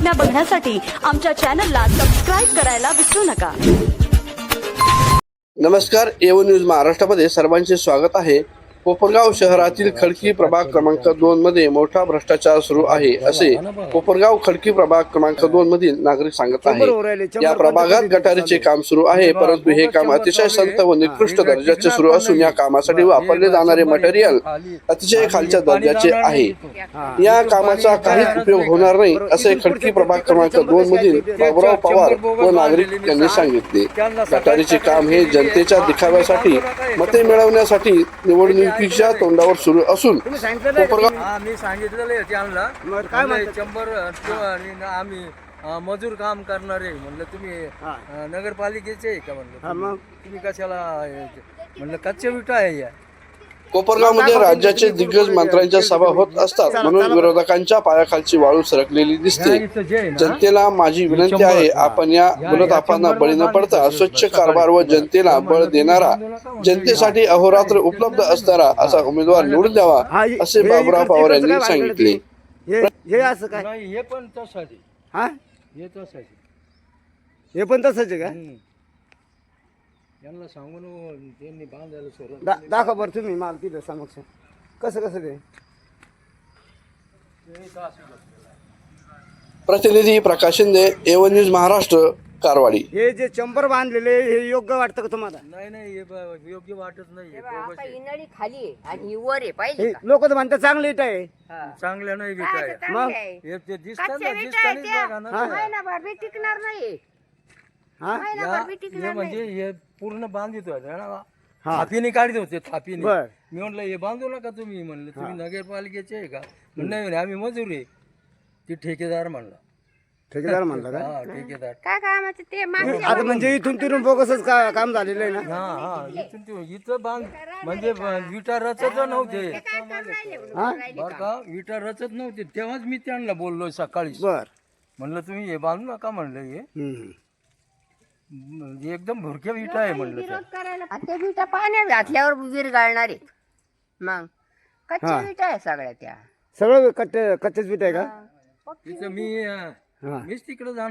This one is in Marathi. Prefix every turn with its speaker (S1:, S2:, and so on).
S1: बातम्या बघण्यासाठी आमच्या चॅनलला सबस्क्राईब करायला विसरू नका।
S2: नमस्कार, एवन न्यूज महाराष्ट्रामध्ये सर्वांचे स्वागत आहे। कोपरगाव शहरातील खडकी प्रभाग क्रमांक 2 मध्ये मोठा भ्रष्टाचार सुरू आहे असे कोपरगाव खडकी प्रभाग क्रमांक 2 मधील नागरिक सांगत आहेत। या प्रभागात गटारीचे काम सुरू आहे, परंतु हे काम अतिशय संत व निकृष्ट दर्जाचे सुरू असून या कामासाठी वापरले जाणारे मटेरियल अतिशय खालच्या दर्जाचे आहे। या कामाचा काहीच उपयोग होणार नाही असे खडकी प्रभाग क्रमांक 2 मधील बाबुराव पवार व नागरिक यांनी सांगितले। गटारीचे काम हे जनतेच्या दिखाव्यासाठी, मते मिळवण्यासाठी निवडणुकीच्या तोंडावर सुरू असून
S3: मी सांगितलेलं त्यांना शंभर आम्ही मजूर काम करणारे म्हणलं तुम्ही नगरपालिकेचे आहे का म्हणलं तुम्ही कशाला म्हणलं कच्च्या विटा आहे या।
S2: कोपरगावमध्ये राज्याचे दिग्गज मंत्र्यांच्या सभा होत असतात, म्हणून विरोधकांच्या पायाखालची वाळू सरकलेली दिसते। जनतेला माझी विनंती आहे, आपण या गुणतापांना बळी न पडता स्वच्छ कारभार व जनतेला बळ देणारा, जनतेसाठी अहोरात्र उपलब्ध असणारा असा उमेदवार निवडून द्यावा असे बाबुराव पवार यांनी सांगितले।
S4: हे असं काय
S3: नाही, हे पण तसंच आहे।
S4: हा
S3: हे तसंच आहे,
S4: हे पण तसंच आहे का?
S3: यांना सांगून त्यांनी बांधायला सुरू
S4: दाखवा बरं तुम्ही माल तिथं समक्ष कसं कसं ते।
S2: प्रतिनिधी प्रकाश शिंदे, एवन न्यूज महाराष्ट्र, कारवाडी।
S4: हे जे चंबर बांधलेले हे योग्य वाटतं का तुम्हाला?
S3: नाही हे योग्य वाटत नाही।
S5: आता इनळी खाली आहे आणि ही वर आहे पाहिजे का?
S4: लोक तर म्हणतात चांगलं इट आहे।
S3: चांगल्या नाही
S5: काय
S3: विकाय
S5: ते चांगली आहे?
S3: हे ते दिसतात
S5: कच्च्या
S3: ना,
S5: विटा आहेत
S3: दिसतानीच बघा ना
S5: त्या.
S3: ते.
S5: महिनाभर बी टिकणार नाही
S4: हा
S5: महिनाभर बी
S3: हे
S5: टिकणार
S3: म्हणजे
S5: नाही।
S3: हे पूर्ण बांधित होते ना,
S4: हा.
S3: थापीने काढत होते थापीने।
S4: बर.
S3: मी म्हटलं हे बांधू नका तुम्ही, म्हणलं तुम्ही नगरपालिकेचे आहे का? म्हणलं नाही, आम्ही मजूर आहे। ती ठेकेदार म्हणला।
S4: ठेकेदार म्हणलं का?
S3: हा, ठेकेदार।
S5: काय कामाचं ते मागच्या
S4: आता म्हणजे इथून तिथून बोगसच काम झालेलं आहे ना?
S3: हा इथून इथं बांध म्हणजे विटा रचत नव्हते
S5: काय करून राहिले म्हणून
S4: हा?
S5: राहिले
S3: बरं का, विटा रचत नव्हते तेव्हाच मी त्यांना बोललो सकाळी।
S4: बर
S3: म्हणलं तुम्ही हे बांधू नका म्हणलं, हे म्हणजे एकदम भुरक्या विटा आहे म्हणलं त्या।
S5: विरोध करायला आणि ते विटा पाण्यात घातल्यावर विरघळणार आहेत। मग कच्च्या विटा आहे सगळ्या त्या।
S4: सगळं कच्चेच पीठ आहे का?
S3: तिथं मीच तिकडे जाणार।